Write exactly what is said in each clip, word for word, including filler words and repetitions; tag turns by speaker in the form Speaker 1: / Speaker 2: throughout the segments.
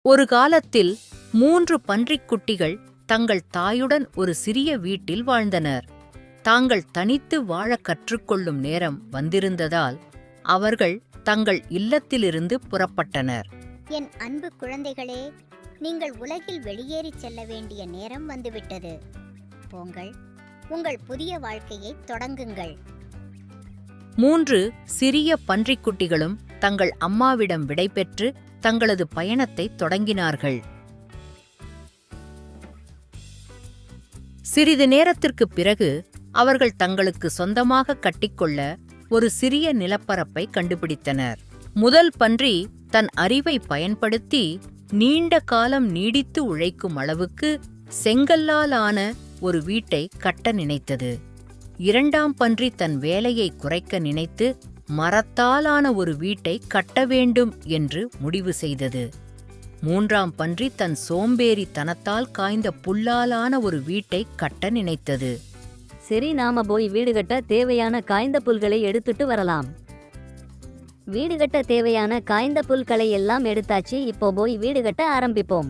Speaker 1: ஒரு காலத்தில் மூன்று பன்றிக் குட்டிகள் தங்கள் தாயுடன் ஒரு சிறிய வீட்டில் வாழ்ந்தனர். தாங்கள் தனித்து வாழக் கற்றுக்கொள்ளும் நேரம் வந்திருந்ததால் அவர்கள் தங்கள் இல்லத்திலிருந்து புறப்பட்டனர்.
Speaker 2: என் அன்பு குழந்தைகளே, நீங்கள் உலகில் வெளியேறிச் செல்ல வேண்டிய நேரம் வந்துவிட்டது. போங்கள், உங்கள் புதிய வாழ்க்கையை தொடங்குங்கள்.
Speaker 1: மூன்று சிறிய பன்றிக்குட்டிகளும் தங்கள் அம்மாவிடம் விடைபெற்று தங்களது பயணத்தை தொடங்கினார்கள். சிறிது நேரத்திற்குப் பிறகு அவர்கள் தங்களுக்கு சொந்தமாக கட்டிக்கொள்ள ஒரு சிறிய நிலப்பரப்பை கண்டுபிடித்தனர். முதல் பன்றி தன் அறிவை பயன்படுத்தி நீண்ட காலம் நீடித்து உழைக்கும் அளவுக்கு செங்கல்லால் ஆன ஒரு வீட்டை கட்ட நினைத்தது. இரண்டாம் பன்றி தன் வேலையை குறைக்க நினைத்து மரத்தாலான ஒரு வீட்டை கட்ட வேண்டும் என்று முடிவு செய்தது. மூன்றாம் பன்றி தன் சோம்பேறி தனத்தால் காய்ந்த புல்லாலான ஒரு வீட்டை கட்ட நினைத்தது.
Speaker 3: சரி, நாம போய் வீடு கட்ட தேவையான காய்ந்த புல்களை எடுத்துட்டு வரலாம். வீடு கட்ட தேவையான காய்ந்த புல்களை எல்லாம் எடுத்தாச்சு. இப்போ போய் வீடு கட்ட ஆரம்பிப்போம்.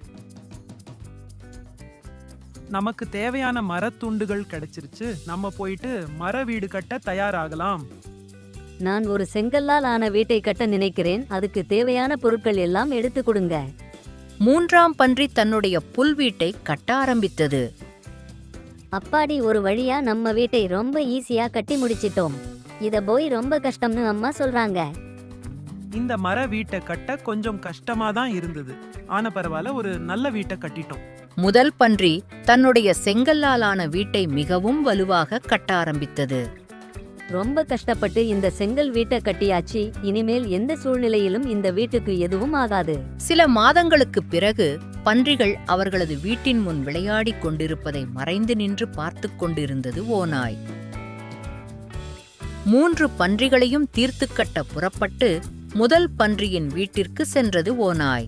Speaker 4: நமக்கு தேவையான மரத்துண்டுகள் கிடைச்சிருச்சு. நம்ம போயிட்டு மர வீடு கட்ட தயாராகலாம்.
Speaker 3: நான் ஒரு செங்கல்லால் ஆன வீட்டை கட்ட நினைக்கிறேன். அதுக்கு தேவையான பொருட்கள் எல்லாம் எடுத்து கொடுங்க.
Speaker 1: மூன்றாம் பன்றி தன்னுடைய புல் வீட்டை கட்ட ஆரம்பித்தது.
Speaker 3: அப்பாடி, ஒரு வழியா நம்ம வீட்டை ரொம்ப ஈஸியா கட்டி முடிச்சிட்டோம். இத போய் ரொம்ப கஷ்டம்னு அம்மா சொல்றாங்க.
Speaker 4: இந்த மர வீட்டை கட்ட கொஞ்சம் கஷ்டமா தான் இருந்தது. ஆனா பரவாயில்ல, ஒரு நல்ல வீட்டை கட்டிட்டோம்.
Speaker 1: முதல் பன்றி தன்னுடைய செங்கல்லாலான வீட்டை மிகவும் வலுவாக கட்ட ஆரம்பித்தது.
Speaker 3: ரொம்ப கஷ்டப்பட்டு இந்த செங்கல் வீட்டை கட்டியாச்சு. இனிமேல் எந்த சூழ்நிலையிலும் இந்த வீட்டுக்கு எதுவும் ஆகாது.
Speaker 1: சில மாதங்களுக்குப் பிறகு பன்றிகள் அவர்களது வீட்டின் முன் விளையாடிக் கொண்டிருப்பதை மறைந்து நின்று பார்த்துக் கொண்டிருந்தது ஓநாய். மூன்று பன்றிகளையும் தீர்த்து கட்ட புறப்பட்டு முதல் பன்றியின் வீட்டிற்கு சென்றது ஓநாய்.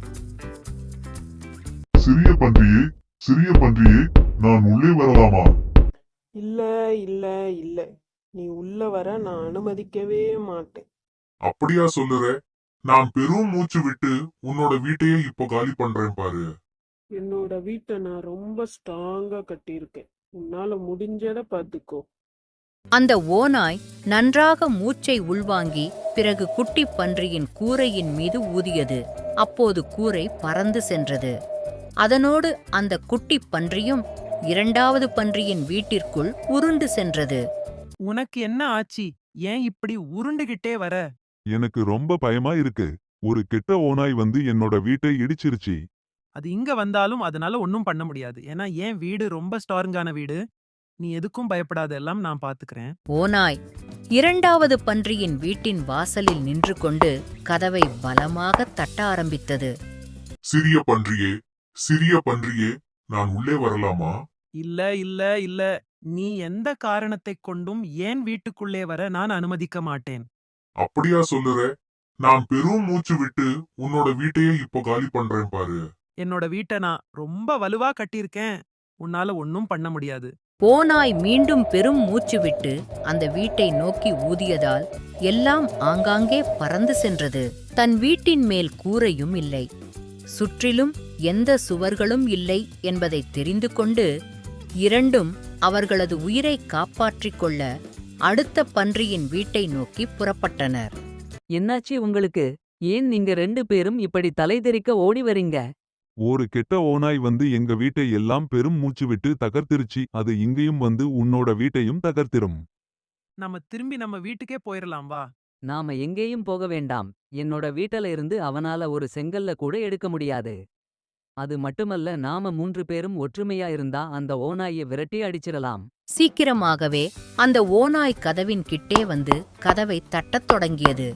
Speaker 5: சிறிய பன்றியே, சிறிய பன்றியே, நான் உள்ளே வரலாமா?
Speaker 6: இல்ல இல்ல இல்ல, நீ உள்ள வர நான் அனுமதிக்கவே மாட்டேன்.
Speaker 5: அப்படியா சொல்லுற? நான் பெரும் மூச்சு விட்டு உன்னோட வீட்டையே இப்போ காலி பண்றேன் பாரு.
Speaker 6: என்னோட வீட்டை நான் ரொம்ப ஸ்ட்ராங்கா கட்டியிருக்கேன். உன்னால முடிஞ்சத பாத்துக்கோ.
Speaker 1: அந்த ஓநாய் நன்றாக மூச்சை உள்வாங்கி பிறகு குட்டி பன்றியின் கூரையின் மீது ஊதியது. அப்போது கூரை பறந்து சென்றது. அதனோடு அந்த குட்டி பன்றியும் இரண்டாவது பன்றியின் வீட்டிற்குள் உருண்டு சென்றது.
Speaker 4: உனக்கு என்ன ஆச்சு? ஏன் இப்படி உருண்டுகிட்டே வர?
Speaker 5: எனக்கு ரொம்ப பயமா இருக்கு. ஒரு கெட்ட ஓநாய் வந்து என்னோட வீட்டை இடிச்சிருச்சு.
Speaker 4: அது இங்க வந்தாலும் அதனால ஒன்னும் பண்ண முடியாது. ஏன்னா என் வீடு ரொம்ப ஸ்ட்ராங்கான வீடு. நீ எதுக்கும் பயப்படாத, எல்லாம் நான் பாத்துக்கிறேன்.
Speaker 1: ஓநாய் இரண்டாவது பன்றியின் வீட்டின் வாசலில் நின்று கொண்டு கதவை பலமாக தட்ட ஆரம்பித்தது.
Speaker 5: சிறிய பன்றியே, சிறிய பன்றியே, நான் உள்ளே வரலாமா?
Speaker 4: இல்ல இல்ல இல்ல, நீ எந்த காரணத்தைக் கொண்டும் ஏன் வீட்டுக்குள்ளே வர நான் அனுமதிக்க மாட்டேன்.
Speaker 5: அப்படியா சொல்லுற? நான் பெரும் மூச்சு விட்டு உன்னோட வீட்டையே இப்போ காலி பண்றேன் பாரு.
Speaker 4: என்னோட வீட்டை நான் ரொம்ப வலுவா கட்டியிருக்கேன். உன்னால ஒன்னும் பண்ண முடியாது.
Speaker 1: ஓநாய் மீண்டும் பெரும் மூச்சு விட்டு அந்த வீட்டை நோக்கி ஊதியதால் எல்லாம் ஆங்காங்கே பறந்து சென்றது. தன் வீட்டின் மேல் கூரையும் இல்லை, சுற்றிலும் எந்த சுவர்களும் இல்லை என்பதை தெரிந்து கொண்டு இரண்டும் அவர்களது உயிரை காப்பாற்றிக் கொள்ள அடுத்த பன்றியின் வீட்டை நோக்கி புறப்பட்டனர்.
Speaker 7: என்னாச்சு உங்களுக்கு? ஏன் நீங்க ரெண்டு பேரும் இப்படி தலைதெறிக்க ஓடி வரீங்க?
Speaker 5: ஒரு கெட்ட ஓநாய் வந்து எங்க வீட்டை எல்லாம் பெரும் மூச்சு விட்டு தகர்த்திருச்சு. அது இங்கேயும் வந்து உன்னோட வீட்டையும் தகர்த்திரும்.
Speaker 4: நம்ம திரும்பி நம்ம வீட்டுக்கே போயிரலாம் வா.
Speaker 7: நாம எங்கேயும் போக வேண்டாம். என்னோட வீட்டில இருந்து அவனால ஒரு செங்கல்ல கூட எடுக்க முடியாது. அது மட்டுமல்ல, நாம மூன்று பேரும் ஒற்றுமையா இருந்தா அந்த ஓநாயை விரட்டி அடிச்சிடலாம்.
Speaker 1: சீக்கிரமாகவே அந்த ஓநாய் கதவின் கிட்டே வந்து கதவை தட்டத் தொடங்கியது.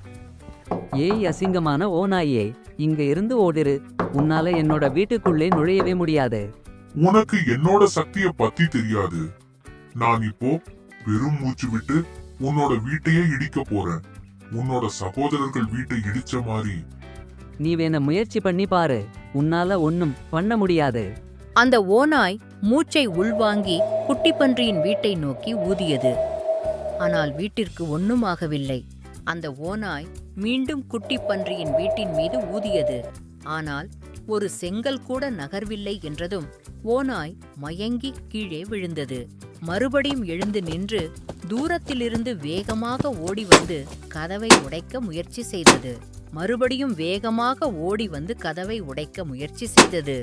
Speaker 7: ஏய் அசிங்கமான ஓநாயே, இங்க இருந்து ஓடிரு. உன்னால என்னோட வீட்டுக்குள்ளே நுழையவே முடியாது.
Speaker 5: உனக்கு என்னோட சக்திய பத்தி தெரியாது. நான் இப்போ பெரும் மூச்சு விட்டு உன்னோட வீட்டையே இடிக்க போறேன். உன்னோட சகோதரர்கள் வீட்டை இடிச்ச மாதிரி.
Speaker 7: நீ வேண முயற்சி பண்ணி பாரு. உன்னால ஒன்னும் பண்ண முடியாது.
Speaker 1: அந்த ஓநாய் மூச்சை உள்வாங்கி குட்டி பன்றியின் வீட்டை நோக்கி ஊதியது. ஆனால் வீட்டிற்கு ஒன்னுமாகவில்லை. அந்த ஓநாய் மீண்டும் குட்டி பன்றியின் வீட்டின் மீது ஊதியது. ஆனால் ஒரு செங்கல் கூட நகர்வில்லை என்றதும் ஓநாய் மயங்கி கீழே விழுந்தது. மறுபடியும் எழுந்து நின்று தூரத்திலிருந்து வேகமாக ஓடி வந்து கதவை உடைக்க முயற்சி செய்தது. மறுபடியும் வேகமாக ஓடி வந்து கதவை உடைக்க முயற்சி செய்தது.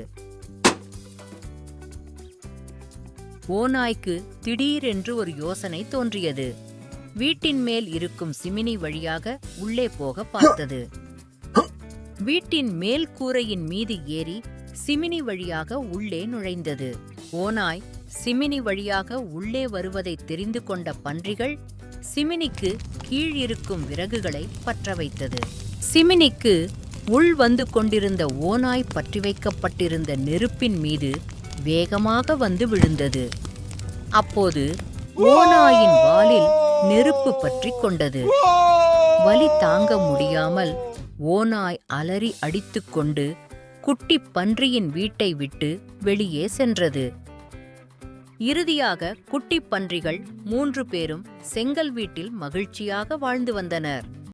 Speaker 1: ஓநாய்க்கு திடீரென்று ஒரு யோசனை தோன்றியது. வீட்டின் மேல் இருக்கும் சிமினி வழியாக உள்ளே போக பார்த்தது. வீட்டின் மேல் கூரையின் மீது ஏறி சிமினி வழியாக உள்ளே நுழைந்தது. ஓநாய் சிமினி வழியாக உள்ளே வருவதை தெரிந்து கொண்ட பன்றிகள் சிமினிக்கு கீழ் இருக்கும் விறகுகளை பற்ற வைத்தது. சிமினிக்கு உள் வந்து கொண்டிருந்த ஓநாய் பற்றி வைக்கப்பட்டிருந்த நெருப்பின் மீது வேகமாக வந்து விழுந்தது. அப்போது ஓநாயின் வாலில் நெருப்பு பற்றி கொண்டது. வலி தாங்க முடியாமல் ஓநாய் அலறி அடித்துக்கொண்டு குட்டி பன்றியின் வீட்டை விட்டு வெளியே சென்றது. இறுதியாக குட்டி பன்றிகள் மூன்று பேரும் செங்கல் வீட்டில் மகிழ்ச்சியாக வாழ்ந்து வந்தனர்.